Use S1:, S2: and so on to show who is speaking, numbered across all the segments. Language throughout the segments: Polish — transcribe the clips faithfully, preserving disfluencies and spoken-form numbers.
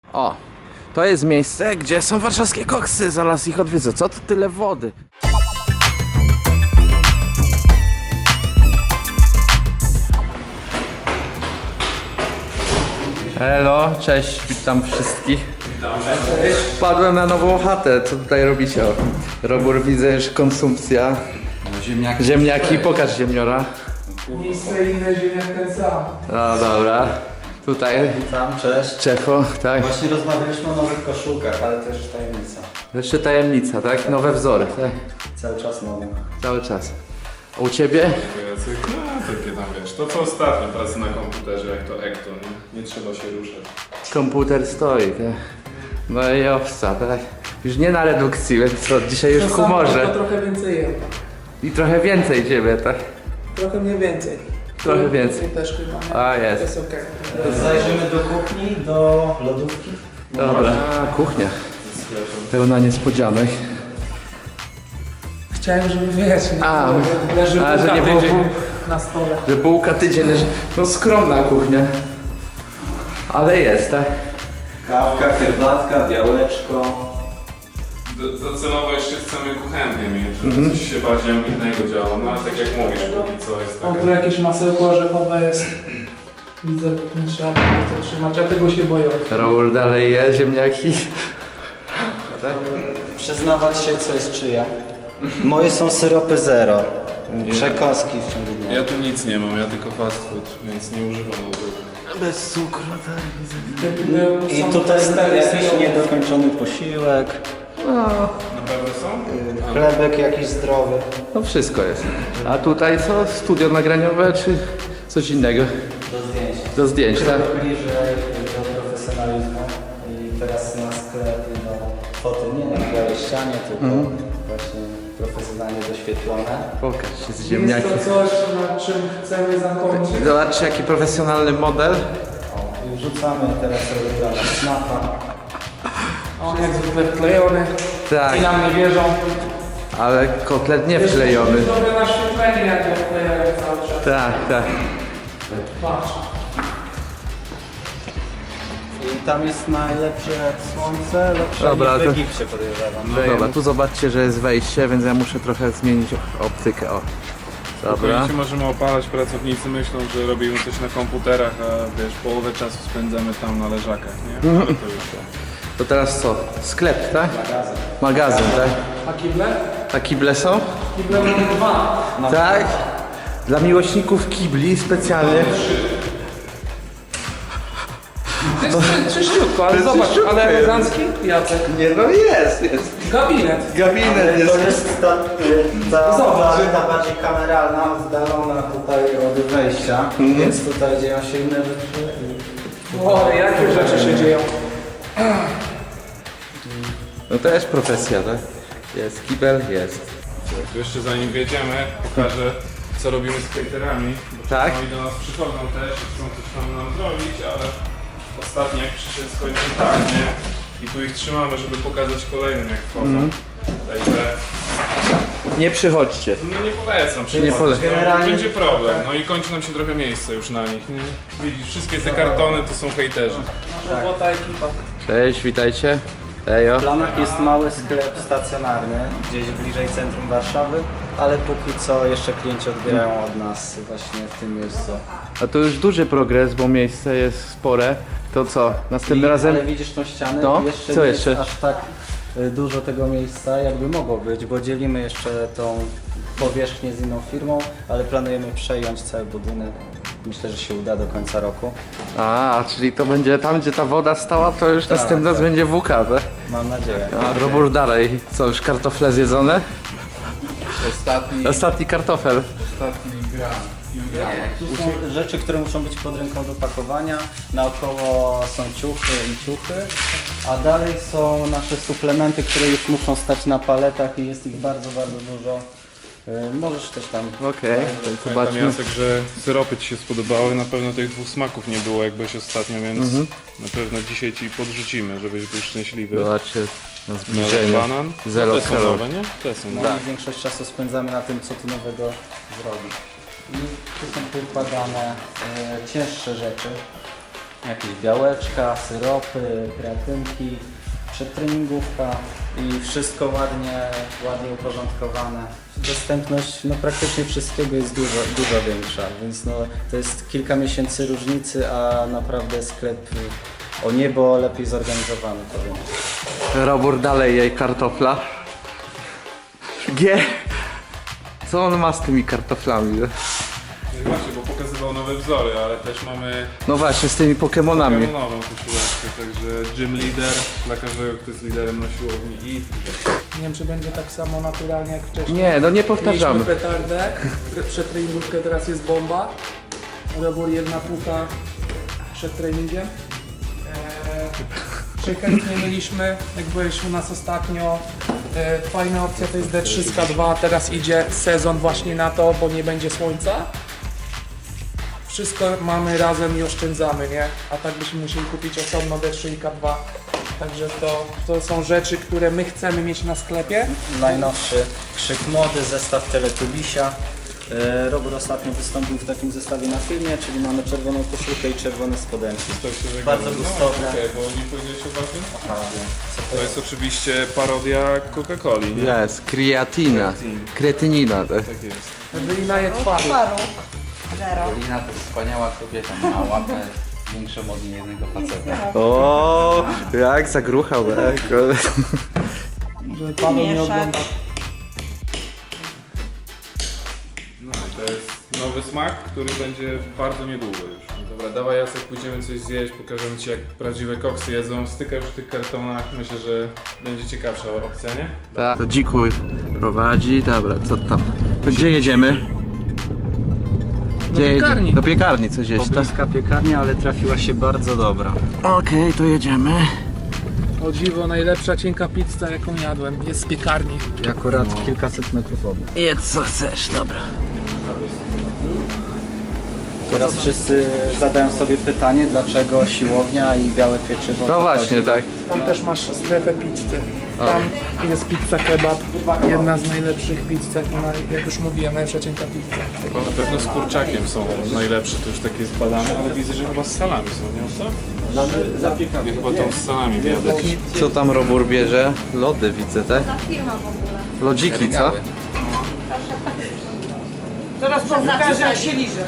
S1: O, to jest miejsce, gdzie są warszawskie koksy, zaraz ich odwiedzę. Co to tyle wody? Hello, cześć, witam wszystkich. Wpadłem na nową chatę, co tutaj robicie? O, Robór, widzę, że konsumpcja.
S2: Ziemniaki.
S1: Ziemniaki, pokaż ziemniora.
S3: Miejsce inne, ziemniak ten sam.
S1: No dobra, tutaj
S2: Witam, cześć.
S1: Czefo, tak?
S2: Właśnie rozmawialiśmy o nowych koszulkach, ale to już tajemnica.
S1: Jeszcze tajemnica, tak? Nowe wzory, tak?
S2: Cały czas nowe.
S1: Cały czas. A u ciebie?
S4: Jacek, no takie tam wiesz, to co ostatnio, pracy na komputerze, jak to Ekto, nie? Nie trzeba się ruszać.
S1: Komputer stoi, tak? No i owca, tak? Już nie na redukcji, więc co, dzisiaj już w
S3: To samo,
S1: humorze.
S3: to trochę więcej jem.
S1: I trochę więcej ciebie, tak?
S3: Trochę mniej więcej.
S1: Trochę więcej.
S3: Tu też chyba.
S1: A,
S3: To
S1: jest.
S3: jest okej.
S2: Zajrzymy do kuchni, do lodówki.
S1: Dobra. A, kuchnia. Pełna niespodzianek.
S3: Chciałem, żeby wiesz, nie
S1: A,
S3: było, że leży
S1: a, że
S3: bułka
S1: nie było
S3: tydzień
S1: pół-
S3: na stole.
S1: Że bułka tydzień leży. No skromna kuchnia. Ale jest, tak?
S2: Kawka, herbatka, białeczko.
S4: Do- Docelowo jeszcze chcemy kuchenkę mieć, żeby coś się bardziej ambitnego działo, no ale tak jak mówisz, póki co jest
S3: O,
S4: taka...
S3: tu jakieś masełko orzechowe jest. Widzę, nie trzeba było to trzymać, ja tego się boję.
S1: Raul dalej je ziemniaki.
S2: Przyznawać się, co jest czyja. Moje są syropy zero. Przekąski w ciągu dnia.
S4: Ja tu nic nie mam, ja tylko fast food, więc nie używam lodówki.
S1: Bez cukru, tak?
S2: I tutaj jakiś niedokończony posiłek.
S4: Na pewno są?
S2: Chlebek jakiś zdrowy.
S1: No wszystko jest. A tutaj co? Studio nagraniowe czy coś innego?
S2: Do zdjęć.
S1: Do zdjęć, tak?
S2: Krok bliżej do profesjonalizmu i teraz na sklep do foty nie na białej ścianie, tylko właśnie profesjonalnie doświetlone.
S1: Pokaż się z
S3: Jest
S1: ziemniaki.
S3: to coś, na czym chcemy zakończyć.
S1: Zobaczcie jaki profesjonalny model.
S2: O, i wrzucamy teraz robiona snapa.
S3: On jak zwykle wklejony.
S1: Tak,
S3: I nam nie wierzą.
S1: ale kotlet nie wklejony.
S3: Jest dobre naświetlenie, jak go wklejają cały czas.
S1: Tak, tak.
S3: Patrz.
S2: I tam jest najlepsze słońce, lepsze
S1: Dobra,
S2: niż w
S1: to-
S2: Egipcie podejrzewam.
S1: No dobra, tu zobaczcie, że jest wejście, więc ja muszę trochę zmienić optykę. O. Dobra.
S4: Spokojnie możemy opalać, pracownicy myślą, że robimy coś na komputerach, a wiesz, połowę czasu spędzamy tam na leżakach, nie? To już to.
S1: To teraz co? Sklep, tak?
S2: Magazyn.
S1: Magazyn, tak?
S3: A kible?
S1: A kible są?
S3: Kible mamy dwa.
S1: Tak? Dla miłośników kibli specjalnie.
S3: To jest czyściutko, ale
S1: jest
S3: zobacz,
S1: czyściutko
S3: ale
S1: jest.
S3: elegancki, Jacek.
S1: Nie no jest, jest.
S3: Gabinet.
S1: Gabinet
S2: To
S1: jest.
S2: jest ta, ta,
S3: Zobacz.
S2: ta, ta bardziej kameralna, oddalona tutaj od wejścia, więc tutaj dzieją się inne rzeczy.
S3: O, jakie rzeczy się dzieją.
S1: No to jest profesja, tak? Jest kibel, jest.
S4: To jeszcze zanim wjedziemy, pokażę co robimy z hejterami. Bo
S1: Tak?
S4: Oni do nas przychodzą też i chcą coś tam nam zrobić, ale ostatnio jak przyszedł skończył tak, nie? I tu ich trzymamy, żeby pokazać kolejnym jak wchodzą. Także
S1: Nie przychodźcie.
S4: no nie polecam
S1: Nie
S4: przychodzić,
S1: polecam.
S4: no,
S2: Generalnie-
S4: będzie problem. No i kończy nam się trochę miejsca już na nich, nie? Widzisz, wszystkie te kartony to są hejterzy.
S3: Robota ekipa.
S1: Cześć, witajcie. Ejo.
S2: W planach jest mały sklep stacjonarny, gdzieś bliżej centrum Warszawy, ale póki co jeszcze klienci odbierają od nas właśnie w tym miejscu.
S1: A to już duży progres, bo miejsce jest spore. To co? Następnym
S2: I,
S1: razem...
S2: Ale widzisz tą ścianę?
S1: No,
S2: jeszcze
S1: co
S2: nie
S1: jeszcze?
S2: jest aż tak y, dużo tego miejsca, jakby mogło być, bo dzielimy jeszcze tą powierzchnię z inną firmą, ale planujemy przejąć cały budynek. Myślę, że się uda do końca roku.
S1: A, czyli to będzie tam, gdzie ta woda stała, to już
S2: Tak,
S1: następny raz
S2: tak.
S1: będzie W K, tak?
S2: Mam nadzieję.
S1: A Robór dalej. Co, już kartofle zjedzone?
S4: Ostatni,
S1: Ostatni kartofel.
S4: ostatni gram.
S2: Tu są rzeczy, które muszą być pod ręką do pakowania. Naokoło są ciuchy i ciuchy, a dalej są nasze suplementy, które już muszą stać na paletach i jest ich bardzo, bardzo dużo. Y, Możesz też tam...
S1: Okej, to
S4: Pamiętam
S1: zobaczmy.
S4: Jacek, że syropy Ci się spodobały, na pewno tych dwóch smaków nie było jak byłeś ostatnio, więc na pewno dzisiaj Ci podrzucimy, żebyś był szczęśliwy.
S1: Zobaczcie na
S4: Melon
S1: zbliżenie.
S4: banan.
S1: Zero
S4: No, te są
S1: kalorii.
S4: nowe, nie? Te są
S2: No
S4: nowe.
S2: i większość czasu spędzamy na tym, co tu nowego zrobić. I tu są poukładane e, cięższe rzeczy. jakieś białeczka, syropy, kreatynki, przedtreningówka i wszystko ładnie, ładnie uporządkowane. Dostępność no, praktycznie wszystkiego jest dużo, dużo większa, więc no, to jest kilka miesięcy różnicy, a naprawdę sklep o niebo lepiej zorganizowany, powiem.
S1: Robór dalej jej kartofla. G. Co on ma z tymi kartoflami?
S4: No i właśnie, bo pokazywał nowe wzory, ale też mamy
S1: No właśnie, z tymi Pokemonami.
S4: nową koszuleczkę, także gym leader dla każdego, kto jest liderem na siłowni i
S3: Nie wiem, czy będzie tak samo naturalnie jak wcześniej.
S1: Nie, no nie powtarzamy.
S3: Mieliśmy petardę, przed treningówkę teraz jest bomba. Robór jedna pucha przed treningiem. Eee, czy chętnie mieliśmy, jak byłeś u nas ostatnio, e, fajna opcja to jest D trzy K dwa, teraz idzie sezon właśnie na to, bo nie będzie słońca. Wszystko mamy razem i oszczędzamy, nie? A tak byśmy musieli kupić osobno D trzy K dwa. Także to, to są rzeczy, które my chcemy mieć na sklepie.
S2: Najnowszy krzyk mody, zestaw Teletubisia. E, Robór ostatnio wystąpił w takim zestawie na filmie, czyli mamy czerwoną koszulkę i czerwone spodenki.
S4: to się żegnamy.
S2: Bardzo
S4: No,
S2: gustowne.
S4: okej, bo nie powiedziałeś o tym?
S2: A,
S4: To jest oczywiście parodia Coca-Coli, nie?
S1: Jest, kreatina. Kretynina. Tak.
S4: Tak jest.
S3: Wylina je twarzy.
S5: Paru. Zero.
S1: Lina to wspaniała kobieta, ma łapę większą od jednego faceta. O, jak zagruchał, tak.
S3: Żeby Paweł nie
S5: Mieszać.
S3: oglądał.
S4: No i to jest nowy smak, który będzie bardzo niedługo już. Dobra, dawaj Jacek, pójdziemy coś zjeść, pokażemy Ci jak prawdziwe koksy jedzą. Styka już w tych kartonach, myślę, że będzie ciekawsza opcja, nie?
S1: Tak. To dziku prowadzi, dobra, co tam? To gdzie jedziemy? Gdzie jedzie-
S3: piekarni.
S1: Do piekarni coś jeść, tak?
S2: Pobliska piekarnia, ale trafiła się bardzo dobra.
S1: Okej, to jedziemy.
S3: O dziwo, najlepsza cienka pizza jaką jadłem jest z piekarni.
S2: I akurat kilkaset metrów obok.
S1: Jedz co chcesz, dobra.
S2: Teraz wszyscy zadają sobie pytanie, dlaczego siłownia i białe pieczywo.
S1: No właśnie, tak.
S3: Tam też masz strefę pizzy. Tam jest pizza kebab, jedna z najlepszych pizz, jak, na- jak już mówiłem, najlepsza cienka pizza.
S4: Bo na pewno z kurczakiem są najlepsze, to już takie zbadane, ale widzę, że chyba z salami są, nie? Co? Ja chyba tą z salami wiadę.
S1: Co tam Robór bierze? Lody widzę, tak?
S5: Firma w ogóle.
S1: Lodziki, co?
S5: Teraz pokażę jak się liże.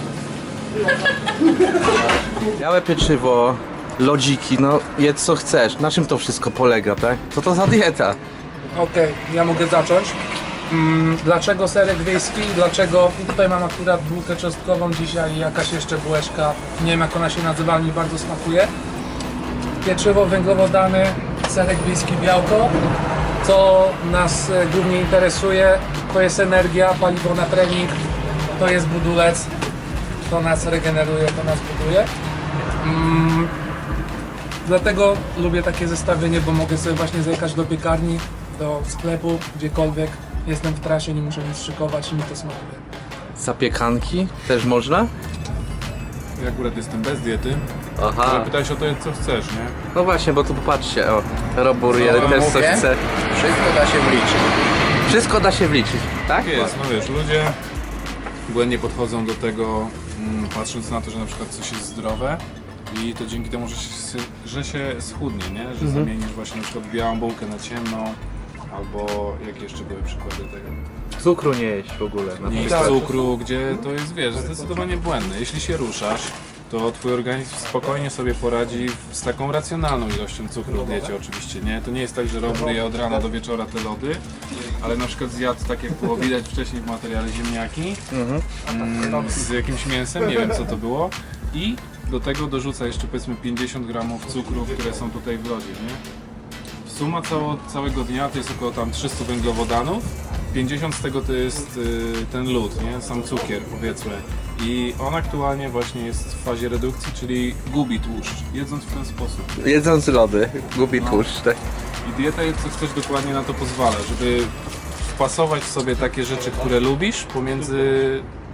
S1: Białe pieczywo, lodziki, no jedz co chcesz. Na czym to wszystko polega, tak? Co to za dieta?
S3: Okej, ja mogę zacząć. Mm, dlaczego serek wiejski? Dlaczego tutaj mam akurat bułkę czosnkową dzisiaj i jakaś jeszcze bułeczka. Nie wiem jak ona się nazywa, ale mi bardzo smakuje. Pieczywo, węglowodany, serek wiejski, białko. Co nas e, głównie interesuje, to jest energia, paliwo na trening, to jest budulec, to nas regeneruje, to nas buduje. Mm, dlatego lubię takie zestawienie, bo mogę sobie właśnie zajechać do piekarni, do sklepu, gdziekolwiek. Jestem w trasie, nie muszę nic szykować i mi to smakuje.
S1: Zapiekanki też można?
S4: Ja akurat jestem bez diety, ale
S1: Aha.
S4: pytałeś o to, co chcesz, nie?
S1: No właśnie, bo tu popatrzcie, o, Robór jeden też co
S6: mówię?
S1: chce.
S6: Wszystko da się wliczyć.
S1: Wszystko da się wliczyć, tak?
S4: Jest, no wiesz, ludzie błędnie podchodzą do tego, mm, patrząc na to, że na przykład coś jest zdrowe i to dzięki temu, że się, że się schudnie, nie? Że zamienisz właśnie na przykład białą bułkę na ciemną, albo jakie jeszcze były przykłady tego?
S1: Cukru nie jeść w ogóle. Na
S4: Nie jest
S1: przykład.
S4: cukru, gdzie to jest, wiesz, zdecydowanie błędne. Jeśli się ruszasz, to twój organizm spokojnie sobie poradzi z taką racjonalną ilością cukru w diecie oczywiście, nie? To nie jest tak, że Robór je od rana do wieczora te lody, ale na przykład zjadł, tak jak było widać wcześniej w materiale, ziemniaki mm, z jakimś mięsem, nie wiem co to było, i do tego dorzuca jeszcze powiedzmy pięćdziesiąt gramów cukru, które są tutaj w lodzie, nie? Suma cało, całego dnia to jest około tam trzysta węglowodanów, pięćdziesiąt z tego to jest y, ten lód, nie? Sam cukier powiedzmy. I on aktualnie właśnie jest w fazie redukcji, czyli gubi tłuszcz, jedząc w ten sposób.
S1: Jedząc lody, gubi tłuszcz, tak?
S4: I dieta jest co chcesz dokładnie na to pozwala, żeby wpasować sobie takie rzeczy, które lubisz, pomiędzy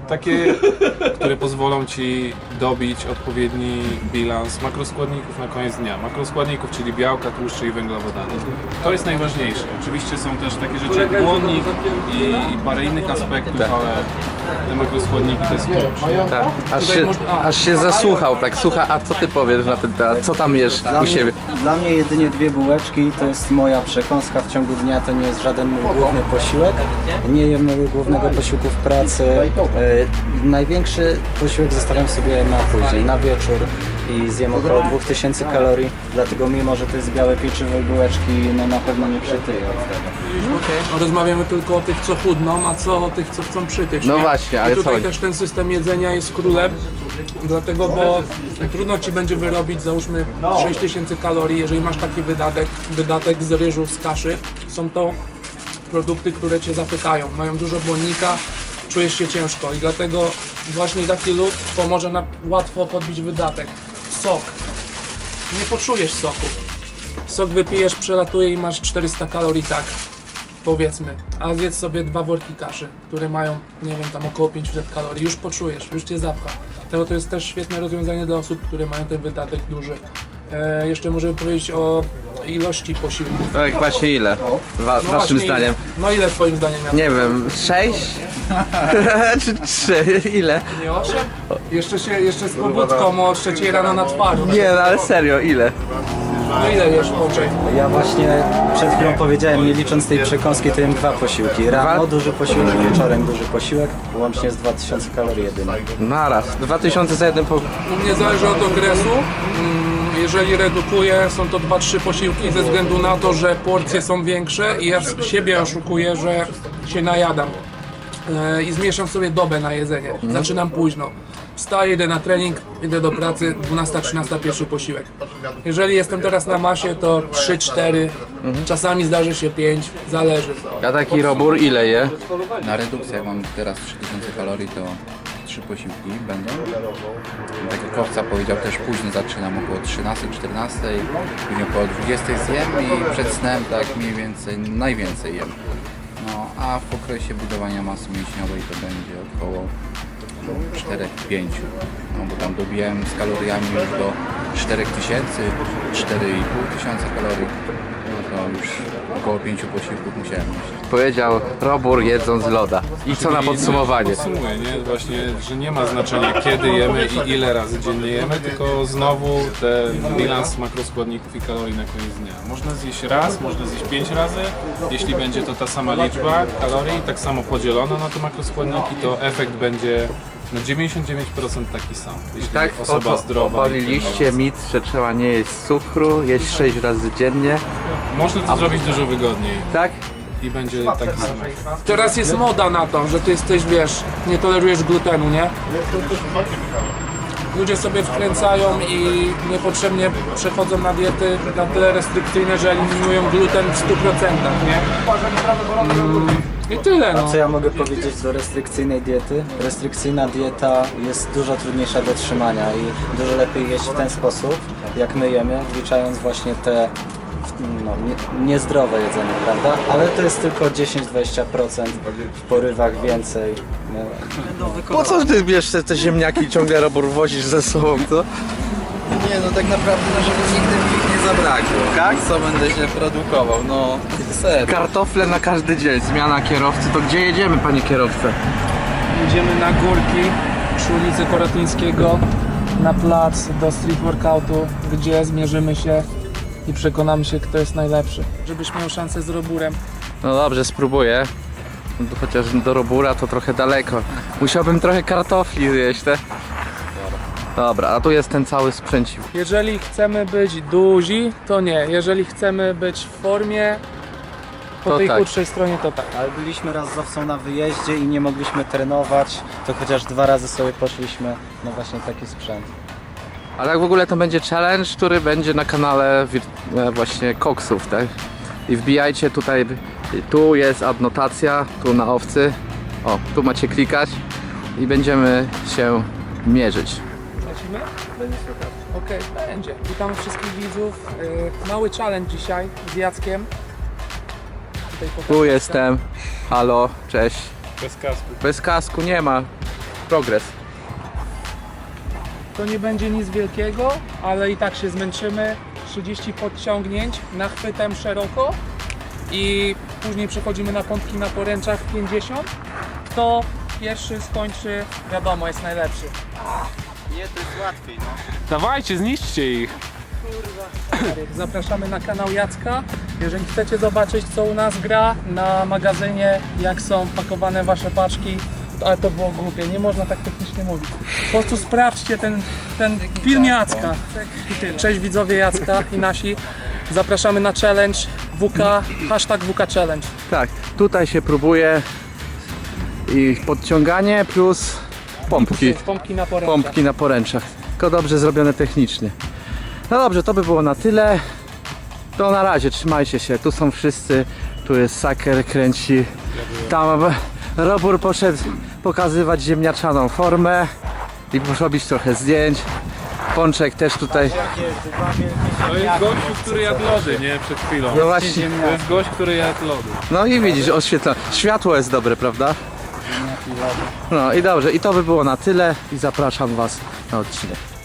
S4: takie, które pozwolą Ci dobić odpowiedni bilans makroskładników na koniec dnia. Makroskładników, czyli białka, tłuszcze i węglowodany. To jest najważniejsze. Oczywiście są też takie rzeczy jak błonnik i, i parę innych aspektów, ale te makroskładniki to jest klucz.
S1: Tak. Aż się, aż się zasłuchał, tak, słucha, a co ty powiesz na ten temat? Co tam jesz
S2: Dla
S1: u
S2: mnie,
S1: siebie?
S2: dla mnie jedynie dwie bułeczki to jest moja przekąska w ciągu dnia, to nie jest żaden mój główny posiłek. Nie jem mojego głównego posiłku w pracy. E, największy posiłek zostawiam sobie na później, na wieczór i zjem około dwa tysiące kalorii, dlatego mimo, że to jest białe pieczywo i bułeczki, no na pewno nie przytyję od tego.
S3: No, rozmawiamy tylko o tych, co chudną, a co o tych, co chcą przytyć.
S1: No
S3: nie?
S1: właśnie, ale
S3: I tutaj
S1: co?
S3: też ten system jedzenia jest królem, dlatego, bo trudno Ci będzie wyrobić, załóżmy, sześć tysięcy kalorii, jeżeli masz taki wydatek, wydatek z ryżu, z kaszy. Są to produkty, które Cię zapytają, mają dużo błonnika, czujesz się ciężko i dlatego właśnie taki lód pomoże nam łatwo podbić wydatek. Sok. Nie poczujesz soku. Sok wypijesz, przelatuje i masz czterysta kalorii, tak, powiedzmy. A zjedz sobie dwa worki kaszy, które mają, nie wiem, tam około pięćset kalorii. Już poczujesz, już Cię zapcha. Dlatego to jest też świetne rozwiązanie dla osób, które mają ten wydatek duży. E, jeszcze możemy powiedzieć o ilości posiłków.
S1: Tak, właśnie ile? Wa
S3: No
S1: waszym
S3: właśnie,
S1: zdaniem?
S3: Ile? No ile twoim zdaniem miał?
S1: Nie wiem, sześć? Czy trzy? Ile?
S3: Nie osiem? Jeszcze się, jeszcze z pobudką o trzeciej rano na twarzy.
S1: Nie, no ale serio, ile?
S3: No ile jesz Boczej?
S2: Ja właśnie przed chwilą powiedziałem, nie licząc tej przekąski, to jem dwa posiłki. Rano duży posiłek, wieczorem duży posiłek, łącznie z dwa tysiące kalorii jedynie.
S1: Naraz. dwa tysiące za jeden po...
S3: U mnie zależy od okresu. Mm, Jeżeli redukuję, są to dwa trzy posiłki ze względu na to, że porcje są większe i ja siebie oszukuję, że się najadam. E, I zmniejszam sobie dobę na jedzenie. Zaczynam późno. Wstaję, idę na trening, idę do pracy, dwunasta trzynasta pierwszy posiłek. Jeżeli jestem teraz na masie, to trzy cztery, czasami zdarzy się pięć, zależy.
S1: A taki robór ile je?
S6: Na redukcji, jak mam teraz trzy tysiące kalorii, to trzy posiłki będą. Tak jak Kowca powiedział, też późno zaczynam, około trzynastej czternastej, później około dwudziestej zjem i przed snem tak mniej więcej, najwięcej jem. No, a w okresie budowania masy mięśniowej to będzie około cztery pięć. No bo tam dobijałem z kaloriami już do cztery tysiące, cztery i pół tysiąca kalorii. No to już około pięciu posiłków musiałem mieć.
S1: Powiedział robór jedząc loda. I co na podsumowanie?
S4: Podsumuję, nie? Właśnie, że nie ma znaczenia kiedy jemy i ile razy dziennie jemy, tylko znowu ten bilans makroskładników i kalorii na koniec dnia. Można zjeść raz, można zjeść pięć razy, jeśli będzie to ta sama liczba kalorii, tak samo podzielona na te makroskładniki, to efekt będzie na dziewięćdziesiąt dziewięć procent taki sam. Jeśli
S1: Tak,
S4: osoba zdrowa.
S1: obaliliście mit, że trzeba nie jeść cukru, jeść sześć razy dziennie.
S4: Można to zrobić dużo wygodniej
S1: Tak?
S4: i będzie taki sam efekt.
S3: Teraz jest moda na to, że ty jesteś, wiesz, nie tolerujesz glutenu, nie? Ludzie sobie wkręcają i niepotrzebnie przechodzą na diety na tyle restrykcyjne, że eliminują gluten w stu procentach, nie? Mm, I tyle, no.
S2: Co ja mogę powiedzieć do restrykcyjnej diety? Restrykcyjna dieta jest dużo trudniejsza do trzymania i dużo lepiej jeść w ten sposób, jak my jemy, wliczając właśnie te no, nie, niezdrowe jedzenie, prawda? Ale to jest tylko dziesięć do dwudziestu procent, w porywach więcej. No.
S1: Po co ty bierzesz te, te ziemniaki ciągle robór wozisz ze sobą, co?
S7: Nie, no tak naprawdę, no żeby nigdy mi ich nie zabrakło.
S1: Tak?
S7: Co będę się produkował, no serio.
S1: Kartofle na każdy dzień, zmiana kierowcy. To gdzie jedziemy, panie kierowco?
S3: Jedziemy na górki przy ulicy Korotyńskiego na plac do street workoutu, gdzie zmierzymy się i przekonamy się, kto jest najlepszy. Żebyś miał szansę z roburem.
S1: No dobrze, spróbuję. Chociaż do robura to trochę daleko. Musiałbym trochę kartofli zjeść, te. Dobra, a tu jest ten cały sprzęciw.
S3: Jeżeli chcemy być duzi, to nie. Jeżeli chcemy być w formie, po
S1: To
S3: tej
S1: tak.
S3: chudszej stronie, to tak.
S2: Ale byliśmy raz z Owcą na wyjeździe i nie mogliśmy trenować, to chociaż dwa razy sobie poszliśmy na właśnie taki sprzęt.
S1: A tak w ogóle to będzie challenge, który będzie na kanale wir- e, właśnie koksów, tak? I wbijajcie tutaj, tu jest adnotacja, tu na Owcy. O, tu macie klikać i będziemy się mierzyć.
S3: Lecimy? Okej, będzie. Witam wszystkich widzów. Yy, mały challenge dzisiaj z Jackiem. Tutaj pokażę.
S1: Tu jestem. Halo, cześć.
S4: Bez kasku.
S1: Bez kasku nie ma. progres.
S3: To nie będzie nic wielkiego, ale i tak się zmęczymy. trzydzieści podciągnięć nachwytem szeroko i później przechodzimy na pompki na poręczach pięćdziesiąt. Kto pierwszy skończy, wiadomo, jest najlepszy.
S2: Nie, to jest łatwiej, no.
S4: Dawajcie, zniszczcie ich!
S3: Zapraszamy na kanał Jacka. Jeżeli chcecie zobaczyć, co u nas gra na magazynie, jak są pakowane wasze paczki, ale to było głupie, nie można tak technicznie mówić. Po prostu sprawdźcie ten, ten film Jacka. I tyle. Cześć widzowie Jacka i nasi. Zapraszamy na challenge W K, hashtag W K Challenge.
S1: Tak, tutaj się próbuje i podciąganie plus pompki.
S3: Pompki na poręczach.
S1: Pompki na poręczach. Tylko dobrze zrobione technicznie. No dobrze, to by było na tyle. To na razie, trzymajcie się. Tu są wszyscy. Tu jest Saker, kręci. Tam Robur poszedł pokazywać ziemniaczaną formę i robić trochę zdjęć. Pączek też tutaj.
S4: To jest gościu, który jadł lody, nie? Przed chwilą.
S1: No właśnie.
S4: To jest gość, który jadł lody.
S1: No i widzisz, oświetla. Światło jest dobre, prawda? No i dobrze, i to by było na tyle i zapraszam Was na odcinek.